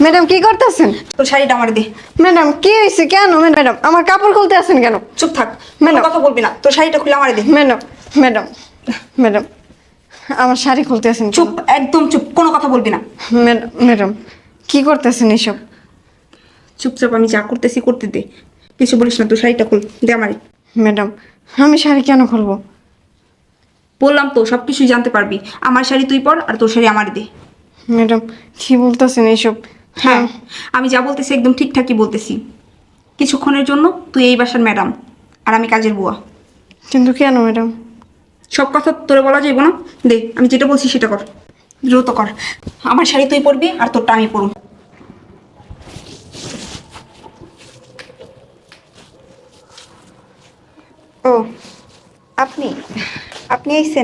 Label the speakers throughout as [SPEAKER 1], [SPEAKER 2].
[SPEAKER 1] Madam কি করতেছেন?
[SPEAKER 2] তোর শাড়িটা আমার দে।
[SPEAKER 1] ম্যাডাম কি হয়েছে? কেন ম্যাডাম আমার কাপড় খুলতে আছেন কেন?
[SPEAKER 2] চুপ থাক,
[SPEAKER 1] ম্যাডাম।
[SPEAKER 2] কথা বলবি না। তোর শাড়িটা খুলে আমার দে।
[SPEAKER 1] ম্যাডাম ম্যাডাম ম্যাডাম আমার শাড়ি খুলতে আছেন কেন?
[SPEAKER 2] চুপ, একদম চুপ, কোনো কথা বলবি না।
[SPEAKER 1] ম্যাডাম ম্যাডাম কি করতেছেন এসব?
[SPEAKER 2] চুপচাপ আমি যা করতেছি করতে দে, কিছু বলিস না। তোর শাড়িটা খুল দে আমারে।
[SPEAKER 1] ম্যাডাম আমি শাড়ি কেন খুলবো?
[SPEAKER 2] বললাম তো সব কিছুই জানতে পারবি। আমার শাড়ি তুই পর, আর তোর শাড়ি আমার দে।
[SPEAKER 1] ম্যাডাম কি বলতেছেন এসব?
[SPEAKER 2] হ্যাঁ, আমি যা বলতেছি একদম ঠিকঠাকই বলতেছি। কিছুক্ষণের জন্য তুই এই বাসার ম্যাডাম, আর আমি কাজের বুয়া।
[SPEAKER 1] কিন্তু কেন ম্যাডাম?
[SPEAKER 2] সব কথা তোরে বলা যাইব না। দে, আমি যেটা বলছি সেটা কর, দ্রুত কর। আমার শাড়ি তুই পরবি, আর তোরটা আমি পরব। ও, আপনি আপনি আইছেন?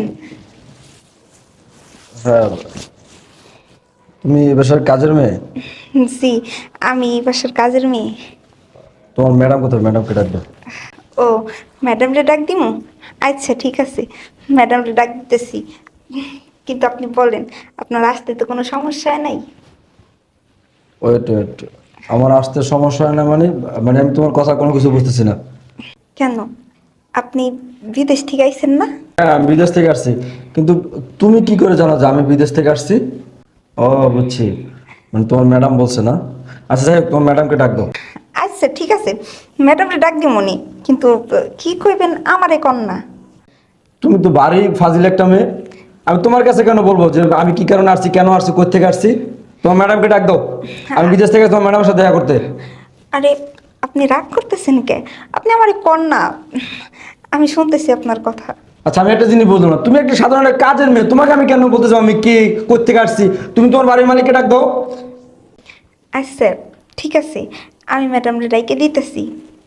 [SPEAKER 3] হ্যাঁ, তুমি এ বাসার কাজের মেয়ে?
[SPEAKER 2] জি, আমি এই বাসার কাজের মেয়ে।
[SPEAKER 3] তোমার ম্যাডাম কোথায়? ম্যাডামকে ডাকবে।
[SPEAKER 2] ও, ম্যাডামরে ডাক দিমু? আচ্ছা ঠিক আছে, ম্যাডামরে ডাক দিতেছি। কিন্তু আপনি বলেন, আপনার আসতে তো কোনো সমস্যা নাই?
[SPEAKER 3] ওয়েট ওয়েট, আমার আসতে সমস্যা হয় না মানে? মানে আমি তোমার কথা কোনো কিছু বুঝতেছি না।
[SPEAKER 2] কেন, আপনি বিদেশ থেকে আইছেন না?
[SPEAKER 3] হ্যাঁ, আমি বিদেশ থেকে আসছি, কিন্তু তুমি কি করে জানো যে আমি বিদেশ থেকে আসছি? ও, বুঝছি, মানে তোমার ম্যাডাম বলছে না? আচ্ছা যাই হোক, তোমার ম্যাডামকে ডাক দাও।
[SPEAKER 2] আচ্ছা ঠিক আছে, ম্যাডামরে ডাক দিমুনি, কিন্তু কি কইবেন আমারে কন্যা?
[SPEAKER 3] তুমি তো বাড়ি ফাজিল একটা মেয়ে, আমি তোমার কাছে কেন বলবো যে আমি কি কারণে আসছি, কেন আসছি, কোথা থেকে আসছি? তোমার ম্যাডামকে ডাক দাও। আমি বিদেশ থেকে তোমার ম্যাডামের সাথে দেখা করতে।
[SPEAKER 2] আরে, আপনি রাগ করতেছেন কে? আপনি আমারে কন্যা, আমি শুনতেছি আপনার কথা।
[SPEAKER 3] আচ্ছা, আমি একটা জিনিস বললাম না, তুমি একটা সাধারণ একটা কাজের মেয়ে, তোমাকে আমি কেন বলতে চাও আমি কে, কোথেকে আসছি? তুমি তোমার বাড়ির মালিককে ডাক দাও।
[SPEAKER 2] আচ্ছা ঠিক আছে, আমি ম্যাডামরে ডাইকে দিতেছি।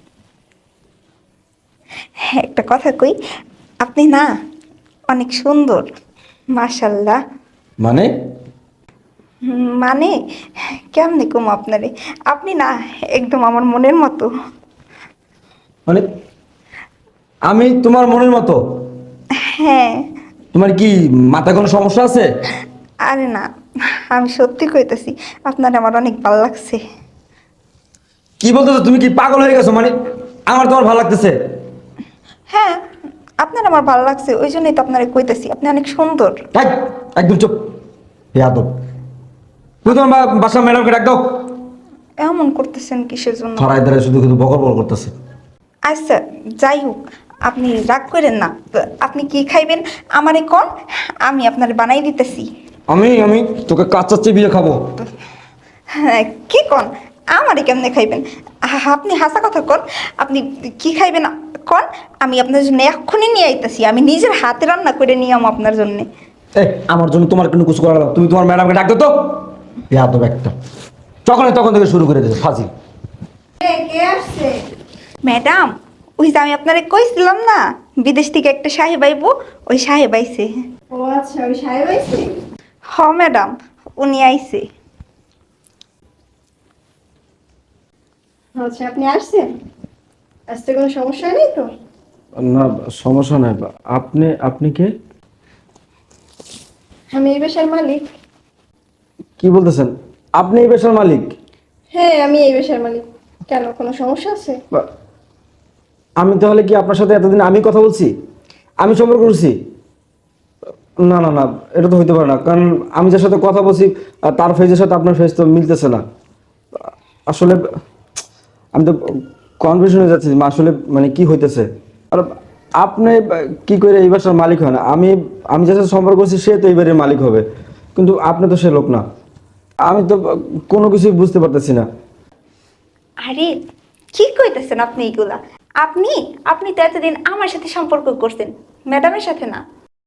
[SPEAKER 2] হ্যাঁ, একটা কথা কই, আপনি না অনেক সুন্দর, মাশাল্লাহ।
[SPEAKER 3] মানে?
[SPEAKER 2] মানে কেমনে কম আপনারে, আপনি না একদম আমার মনের মতো।
[SPEAKER 3] মানে আমি তোমার মনের মতো?
[SPEAKER 2] হ্যাঁ।
[SPEAKER 3] তোমার কি মাথায় কোনো সমস্যা আছে?
[SPEAKER 2] আরে না, আমি সত্যি কইতেছি, আপনার আমার অনেক ভালো লাগছে।
[SPEAKER 3] কি বলতেছো? তুমি কি পাগল হয়ে গেছো? মানে আমার তোমার ভালো লাগতেছে?
[SPEAKER 2] হ্যাঁ, আপনার আমার ভালো লাগছে, ওই জন্যই তো আপনারে কইতেছি, আপনি অনেক সুন্দর।
[SPEAKER 3] এই, একদম চুপ, বেয়াদব। তুমি তোমার বাসার ম্যাডামকে ডাক দাও।
[SPEAKER 2] এমন করতেছেন কিসের জন্য?
[SPEAKER 3] ধরাই ধরে শুধু শুধু বকর বকর করতেছে।
[SPEAKER 2] আচ্ছা যাই হোক, আপনি রাগ করেন না। আপনি কি খাইবেন আমারে কোন, আমি আপনারে বানাই দিতেছি।
[SPEAKER 3] আমি তোকে কাঁচা চিবিয়ে খাবো।
[SPEAKER 2] হ্যাঁ, কি কোন? আমারে কেমনে খাইবেন? আপনি হাসা কথা কোন। আপনি কি খাইবেন কোন, আমি আপনার জন্য এক্ষুনি নিয়ে আইতাছি, আমি নিজের হাতে রান্না করে নিয়ে আমো আপনার জন্য।
[SPEAKER 3] এই, আমার জন্য তোমার কোনো কিছু করা লাগবে না। তুমি তোমার ম্যাডামকে ডাক দাও তো। বেয়াদব একটা, তখন থেকে শুরু করে দিয়েছে ফাজিল।
[SPEAKER 1] কে আসছে?
[SPEAKER 2] ম্যাডাম, ওই যে আমি আপনারে কইছিলাম না, বিদেশ থেকে একটা সাহেব আইবো, ওই সাহেব আইছে।
[SPEAKER 1] ও আচ্ছা, ওই সাহেব আইছে?
[SPEAKER 2] হ ম্যাডাম, উনি আইছে।
[SPEAKER 1] আচ্ছা আপনি আসছেন, আসতে কোনো সমস্যা নেই তো?
[SPEAKER 3] না, সমস্যা নাই। আপনি আপনি কে?
[SPEAKER 1] আমি এই বাসার মালিক।
[SPEAKER 3] কি বলতেছেন? আপনি এই পেশার মালিক?
[SPEAKER 1] হ্যাঁ আমি এই বাসার মালিক। কেন, কোনো সমস্যা আছে?
[SPEAKER 3] আমি তাহলে কি আপনার সাথে এতদিন আমি কথা বলছি, আমি সম্পর্ক করছি? না না না, এটা তো হইতে পারে না, কারণ আমি যার সাথে কথা বলছি তার ফেজের সাথে আপনার ফেজ তো মিলতেছে না। আসলে আমি তো কনফিউশন হয়ে যাচ্ছি, আসলে মানে কি হইতেছে। আর আপনি কি করে এই বাসার মালিক হয় না? আমি আমি যার সাথে সম্পর্ক করছি সে তো এই বাড়ির মালিক হবে, কিন্তু আপনি তো সে লোক না। আমি তো কোনো কিছুই বুঝতে পারতেছি না।
[SPEAKER 2] আরে, কি কইতেছেন আপনি এগুলা? আপনি আপনি তো এতদিন আমার সাথে সম্পর্ক করছেন, ম্যাডামের সাথে না।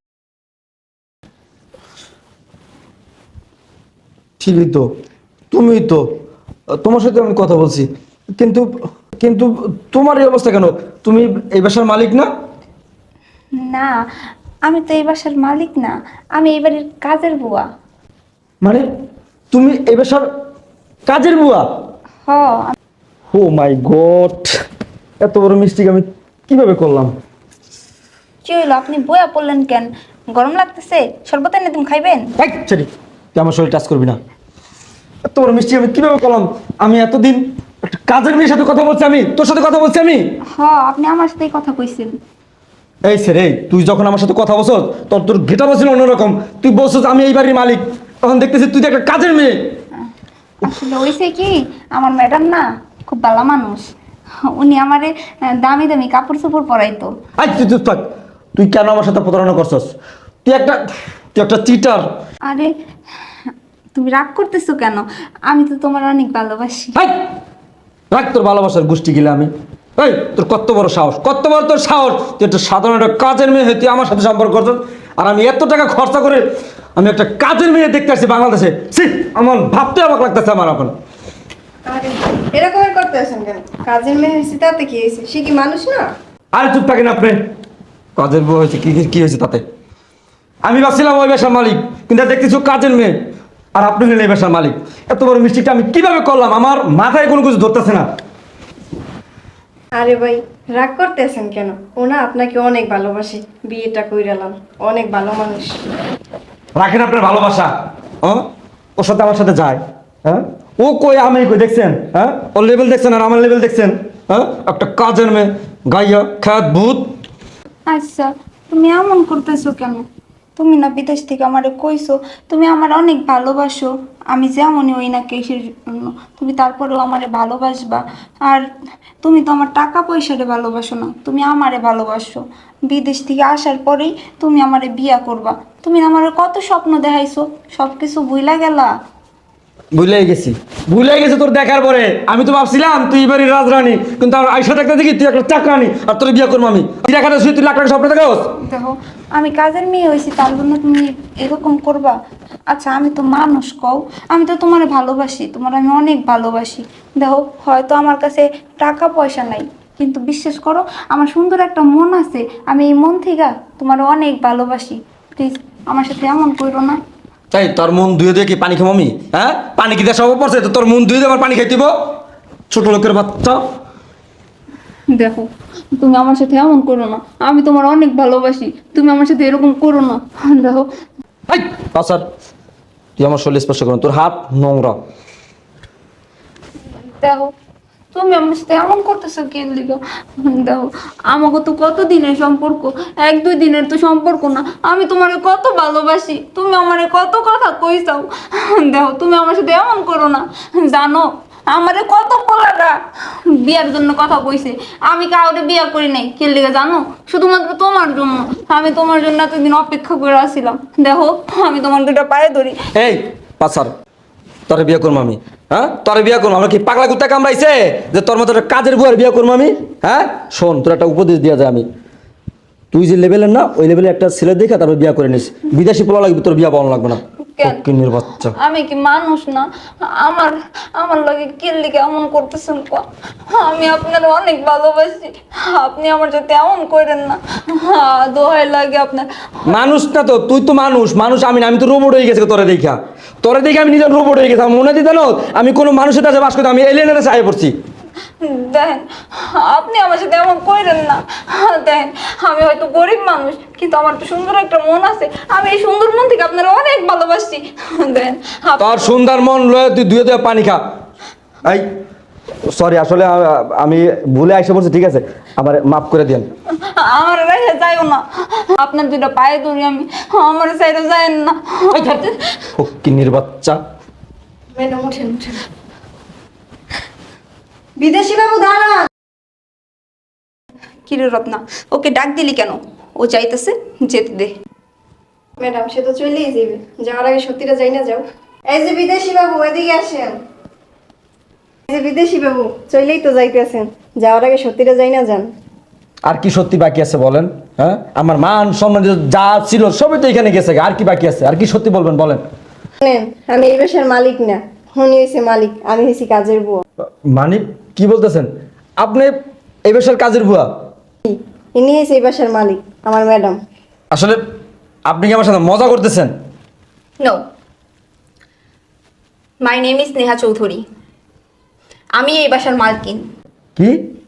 [SPEAKER 3] ঠিকই তো, তুমি তো, তোমার সাথে আমি কথা বলছি, কিন্তু কিন্তু তোমার এই অবস্থা কেন? তুমি এই বাসার মালিক না?
[SPEAKER 2] না, আমি তো এই বাসার মালিক না, আমি এই বাড়ির কাজের বুয়া।
[SPEAKER 3] মানে তুমি এই বাসার কাজের বুয়া?
[SPEAKER 2] হ।
[SPEAKER 3] ও মাই গড, এত বড় মিস্টেক আমি কিভাবে করলাম?
[SPEAKER 2] কি হইলো, আপনি বয়া পড়লেন কেন? গরম লাগতেছে? শরবত এনে তুমি খাইবেন?
[SPEAKER 3] এই ছেড়ি, তুই আমার শরীর টাচ করবি না। এত বড় মিষ্টি আমি কিভাবে করলাম? আমি এতদিন একটা কাজের মেয়ের সাথে কথা বলছি, আমি তোর সাথে কথা বলছি আমি।
[SPEAKER 2] আপনি আমার সাথেই কথা কইছেন।
[SPEAKER 3] এই সে রে, তুই যখন আমার সাথে কথা বলছস তোর গেটা বলছিল অন্যরকম। তুই বলছস আমি এই বাড়ির মালিক, তখন দেখতেছি তুই তো একটা কাজের মেয়ে।
[SPEAKER 2] আসলে হইছে কি, আমার ম্যাডাম না খুব ভালো মানুষ। উনি আমারে দামি দামি কাপড় চোপড় পরাইতো।
[SPEAKER 3] আই তুই চুপ থাক। তুই কেন আমার সাথে প্রতারণা করছস? তুই একটা চিটার।
[SPEAKER 2] আরে তুমি রাগ করতেছো কেন? আমি তো তোমার অনেক ভালোবাসি।
[SPEAKER 3] হাই, রাখ তোর ভালোবাসার গোষ্ঠী গিলে আমি। এই তোর কত বড় সাহস, কত বড় তোর সাহস! তুই একটা সাধারণ একটা কাজের মেয়ে হয়ে তুই আমার সাথে সম্পর্ক করছিস, আর আমি এত টাকা খরচা করে আমি একটা কাজের মেয়ে দেখতে আসছি বাংলাদেশে। ছি, আমার ভাবতে অবাক লাগতেছে আমার এখন।
[SPEAKER 1] আরে এরকম করতেছেন কেন? কাজের মেয়ে হয়েছে তাতে কি হয়েছে? সে কি মানুষ না?
[SPEAKER 3] আরে চুপ থাকেন আপনি। কাজের বউ হয়েছে কি হয়েছে তাতে? আমি ভাবছিলাম ওই বাসার মালিক, কিন্তু দেখতেছি ও কাজের মেয়ে, আর আপনি হলেন এই বাসার মালিক। এত বড় মিস্টেকটা আমি কিভাবে করলাম? আমার মাথায় কোনো কিছু ধরতেছে না।
[SPEAKER 1] আরে ভাই রাগ করতেছেন কেন? ও না আপনাকে অনেক ভালোবাসে, বিয়েটা কইরালাম, অনেক ভালো মানুষ।
[SPEAKER 3] রাখেন আপনার ভালোবাসা। ওর সাথে আমার সাথে যায়, হ্যাঁ? ও কই আমি কই দেখছেন? হ্যাঁ, ওর লেভেল দেখছেন আর আমার লেভেল দেখছেন? হ্যাঁ, একটা কাজের মেয়ে, গাইয়া খ্যাত ভূত।
[SPEAKER 2] আচ্ছা, তুমি এমন করতেছো কেন? তুমি না বিদেশ থেকে আমারে কইছো তুমি আমার অনেক ভালোবাসো, আমি যেমনই ওই না কেসের জন্য তুমি তারপরেও আমারে ভালোবাসবা। আর তুমি তো আমার টাকা পয়সারে ভালোবাসো না, তুমি আমারে ভালোবাসো। বিদেশ থেকে আসার পরেই তুমি আমারে বিয়া করবা। তুমি আমারে কত স্বপ্ন দেখাইছো, সব কিছু ভুইলা গেলা।
[SPEAKER 3] ভুলে গেছি তোর দেখার পরে। আমি তো ভাবছিলাম তুই এবারই রাজরানী, কিন্তু আর আইসা দেখতে দেখি তুই একটা চাকরানি, আর তোর বিয়ে করবো আমি। তুই টাকা শুয়ে তুই লাখ টাকা স্বপ্ন দেখাস?
[SPEAKER 2] দেখো, আমি কাজের মেয়ে হয়েছি তার জন্য তুমি এরকম করবা? আচ্ছা, আমি তো মানুষ কও, আমি তো তোমারে ভালোবাসি, তোমার আমি অনেক ভালোবাসি। দেখো, হয়তো আমার কাছে টাকা পয়সা নাই, কিন্তু বিশ্বাস করো আমার সুন্দর একটা মন আছে। আমি এই মন থেকে তোমার অনেক ভালোবাসি। প্লিজ আমার সাথে এমন করো না।
[SPEAKER 3] তাই তোর মন ধুয়ে দিয়ে কি পানি খাবো আমি? হ্যাঁ, পানি কি দেওয়া সব পড়ছে তো তোর মন ধুয়ে দিয়ে আমার পানি খাই দিব? ছোট লোকের বাচ্চা।
[SPEAKER 2] দেখো, তুমি আমার সাথে এমন করো না, আমি তোমার অনেক ভালোবাসি, তুমি আমার সাথে এরকম করো না। দেখো,
[SPEAKER 3] এই পাসার, তুই আমার শরীর স্পর্শ করুন, তোর হাত নোংরা।
[SPEAKER 2] দেখো, তুমি আমার সাথে এমন করতেছো কেন লিগা? দেখো, আমাকে তো কত দিনের সম্পর্ক, এক দুই দিনের তো সম্পর্ক না। আমি তোমারে কত ভালোবাসি, তুমি আমারে কত কথা কইছাও। দেখো, তুমি আমার সাথে এমন করো না। জানো, আমারে কত পোলাটা বিয়ার জন্য কথা কইছে, আমি কাউরে বিয়া করি নাই। কে লিগা জানো? শুধুমাত্র তোমার জন্য। আমি তোমার জন্য এতদিন অপেক্ষা করে আসছিলাম। দেখো, আমি তোমার দুটা পায়ে ধরি।
[SPEAKER 3] এই পাসার, তোরে বিয়ে করবো আমি? হ্যাঁ, তোরে বিয়ে করবো? আমরা কি পাগলা কুত্তা কামড়াইছে যে তোর মতো একটা কাজের বুয়ার বিয়ে করবো আমি? হ্যাঁ শোন, তোর একটা উপদেশ দেওয়া যায় আমি। তুই যে লেভেলের না, ওই লেভেলে একটা ছেলে দেখে তারপর বিয়ে করে নিস। বিদেশি পোলা লাগবে, তোর বিয়ে পাওয়া লাগবে না।
[SPEAKER 2] কেন?
[SPEAKER 3] কিন্নির বাচ্চা।
[SPEAKER 2] আমি কি মানুষ না? আমার আমার লাগে কিল্লি কেমন করতেছেন ক? আমি আপনার অনেক ভালোবাসি, আপনি আমার সাথে এমন করেন না। দোহাই লাগে আপনার।
[SPEAKER 3] মানুষ না তো, তুই তো মানুষ। মানুষ আমি না, আমি তো রোবট হয়ে গেছি তোরে দেখে আমি নিজের রোবট হয়ে গেছি। আমার মনে দিতে না আমি কোনো মানুষের কাছে বাস করতে, আমি এলিয়েনের চাই পড়ছি।
[SPEAKER 2] দেখেন, আপনি আমার সাথে এমন করেন না। দেখেন, আমি হয়তো গরিব মানুষ, কিন্তু আমার তো সুন্দর একটা মন আছে। আমি এই সুন্দর মন থেকে আপনারা অনেক ভালোবাসি। দেখেন,
[SPEAKER 3] তোর সুন্দর মন লয়ে তুই ধুয়ে ধুয়ে পানি খা। এই সরি, আসলে আমি ভুলে আইসা পড়ছি, ঠিক আছে? আমার মাফ করে দেন।
[SPEAKER 2] আমার রেখে যাইও না, আপনার দুটা পায়ে ধরি আমি, আমার সাইডে যায়েন না।
[SPEAKER 3] কিন্নির বাচ্চা।
[SPEAKER 1] ম্যাডাম উঠেন উঠেন। বিদেশি বাবু দাঁড়ান।
[SPEAKER 2] কিরে রত্না, ওকে ডাক দিলি কেন? ও চাইতেছে যেতে দে।
[SPEAKER 1] ম্যাডাম সে তো চলেই যাবে, যাওয়ার আগে সত্যিটা যাই না যাও। এই যে বিদেশি বাবু এদিকে আসেন। এই যে বিদেশি বাবু চলেই তো যাইতেছেন, যাওয়ার আগে সত্যিটা যাই না যান।
[SPEAKER 3] আর কি সত্যি বাকি আছে বলেন? হ্যাঁ, আমার মান সম্মান যা ছিল সবই তো এখানে গেছে। আর কি বাকি আছে? আর কি সত্যি বলবেন বলেন?
[SPEAKER 1] শুনেন, আমি এই বাসার মালিক না, উনি হয়েছে মালিক, আমি হয়েছি কাজের বুয়া।
[SPEAKER 3] মানে কি বলতেছেন আপনি? এই বেশার কাজের বুয়া?
[SPEAKER 1] ইনি হয়েছে এই বাসার মালিক, আমার ম্যাডাম।
[SPEAKER 3] আসলে আপনি কি আমার সাথে মজা করতেছেন?
[SPEAKER 2] No, my name is Neha Chowdhury. আমি এই বাসার মালকিন।
[SPEAKER 3] কি?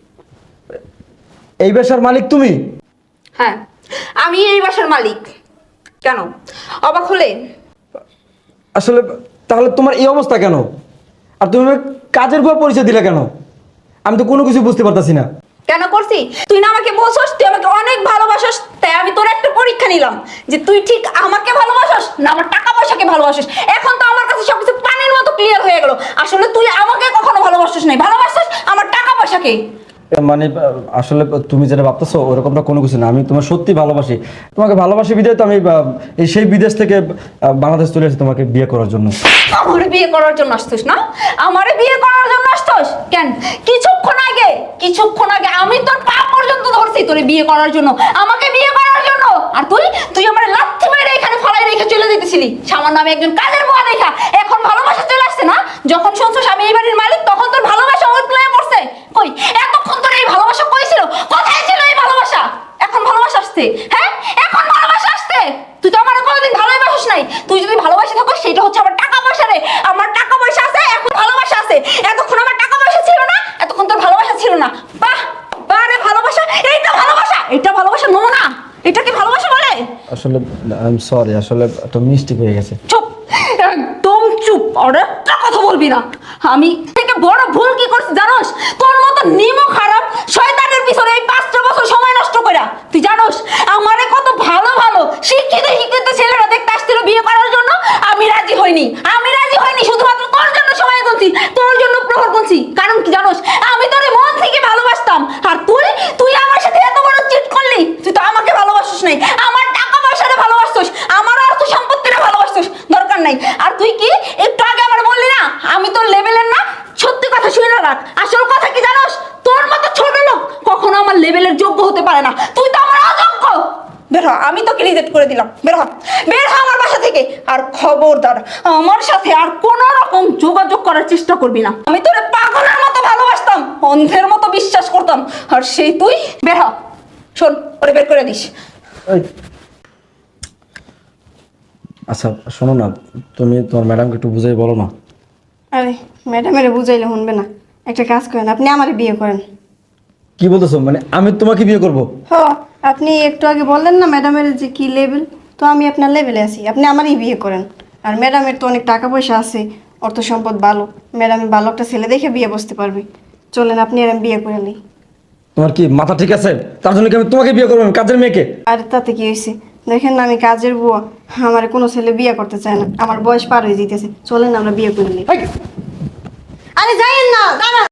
[SPEAKER 3] এই বেশার মালিক তুমি?
[SPEAKER 2] হ্যাঁ, আমি এই বাসার মালিক। কেন অবাক হলে?
[SPEAKER 3] আসলে তাহলে তোমার এই অবস্থা কেন? আর তুমি আমাকে কাজের বুয়া পরিচয় দিলে কেন? আমি তো কোনো কিছু বুঝতে পারতাছি না।
[SPEAKER 2] কেন করছি? তুই না আমাকে বলছস তুই আমাকে অনেক ভালোবাসস, তাই আমি তোর একটা পরীক্ষা নিলাম যে তুই ঠিক আমাকে ভালোবাসস না আমার টাকা পয়সাকে ভালোবাসস। এখন তো আমার কাছে সবকিছু পানির মতো ক্লিয়ার হয়ে গেল। আসলে তুই আমাকে কখনো ভালোবাসছিস নাই, ভালোবাসছিস আমার টাকা পয়সাকে।
[SPEAKER 3] মানে আসলে তুমি যেটা ভাবতেছো ওরকমটা কোনো কিছু না। আমি তোমার সত্যি ভালোবাসি, তোমাকে ভালোবাসি বিধায় তো আমি এই সেই বিদেশ থেকে বাংলাদেশ চলে এসেছি তোমাকে বিয়ে করার জন্য।
[SPEAKER 2] আমারে বিয়ে করার জন্য আসছিস না? আমারে বিয়ে করার জন্য আসছিস কেন? কিছুক্ষণ আগে আমি তোর পা পর্যন্ত ধরছি তোরে বিয়ে করার জন্য, আমাকে বিয়ে করার জন্য। আর তুই আমার লাথি মেরে এখানে ফলাই রেখে চলে যেতেছিলি সামান্য আমি একজন কাজের বুয়া দেখা। এখন ভালোবাসা চলে আসছে না? যখন শুনছস আমি এই বাড়ির মালিক তখন তোর ভালোবাসা উতলায় পড়ছে। কই এতক্ষণ তোর এই ভালোবাসা কই ছিল? কোথায় ছিল এই ভালোবাসা? এখন ভালোবাসা আসছে, হ্যাঁ এখন ভালোবাসা আসছে। তুই তো আমার কোনোদিন ভালোবাসিস নাই। তুই যদি ভালোবাসি থাকিস সেটা হচ্ছে আমার টাকা পয়সা রে। আমার টাকা পয়সা আছে, এখন ভালোবাসা আছে। এতক্ষণ আমার টাকা পয়সা ছিল না, এতক্ষণ তোর ভালোবাসা ছিল না। বাহ বাহ রে ভালোবাসা, এইটা ভালোবাসা, এটা ভালোবাসা নমুনা। এটা কি ভালোবাসা বলে?
[SPEAKER 3] আসলে আই এম সরি, আসলে একটা মিস্টেক হয়ে গেছে।
[SPEAKER 2] চুপ, একদম চুপ। আর একটা কথা বলবি না। আমি থেকে বড় ভুল কি করছি জানোস? তোর মতো নিমো খারাপ শয়তানের পিছনে এই 5টা বছর সময় নষ্ট কইরা। তুই জানোস আমারে কত ভালো ভালো শিক্ষিত ছেলেরা দেখতে আসছিল বিয়ে করার জন্য। আমি রাজি হইনি শুধুমাত্র তোর জন্য সময় গুনছি, তোর জন্য প্রহর গুনছি। কারণ কি জানোস? আমি তোরে মন থেকে ভালোবাসতাম। আর তুই আমার সাথে এত বড় চিট করলি। তুই তো আমাকে ভালোবাসিস নাই, আমার টাকা পয়সারে ভালোবাসছিস, আমার অর্থ সম্পত্তিরে ভালোবাসছিস। দরকার নাই। আর তুই কি একটু আগে আমার বললি না আমি তোর লেভেলের না? সত্যি কথা শুনে রাখ। আসল কথা কি জানোস? তোর মতো ছোট লোক কখনো আমার লেভেলের যোগ্য হতে পারে না। তুই তো আমার অযোগ্য। বের হ, আমি তোকে রিজেক্ট করে দিলাম। বের হ আমার বাসা থেকে। আর খবরদার আমার সাথে আর কোন রকম যোগাযোগ করার চেষ্টা করবি না। আমি তোরে পাগলের মতো ভালোবাসতাম, অন্ধের মতো বিশ্বাস করতাম। আর সেই তুই বের হ। শোন, ওরে বের করে দিস।
[SPEAKER 3] এই, আচ্ছা শোনো না, তুমি তোমার ম্যাডামকে একটু বুঝাই বলো না।
[SPEAKER 1] আরে ম্যাডামের বুঝাইলে শুনবে না। একটা কাজ করেন, আপনি আমারে বিয়ে করেন।
[SPEAKER 3] কি বলতেছো? মানে আমি তোমাকে বিয়ে করব?
[SPEAKER 1] হ, আপনি একটু আগে বললেন না ম্যাডামের যে কি লেভেল, তো আমি আপনার লেভেলে আছি, আপনি আমারই বিয়ে করেন। আর ম্যাডামের তো অনেক টাকা পয়সা আছে, অর্থ সম্পদ ভালো, ম্যাডামের ভালো একটা ছেলে দেখে বিয়ে বসতে পারবে। চলেন আপনি আর আমি বিয়ে করে নিই।
[SPEAKER 3] তোমার কি মাথা ঠিক আছে? তার জন্য কি আমি তোমাকে বিয়ে করবো? আমি কাজের মেয়েকে?
[SPEAKER 1] আর তাতে কি হয়েছে? দেখেন না আমি কাজের বুয়া, আমার কোনো ছেলে বিয়ে করতে চায় না, আমার বয়স পার হয়ে যেতেছে। চলেন আমরা বিয়ে করে নিই। আরে যাইয়েন না, দাঁড়ান।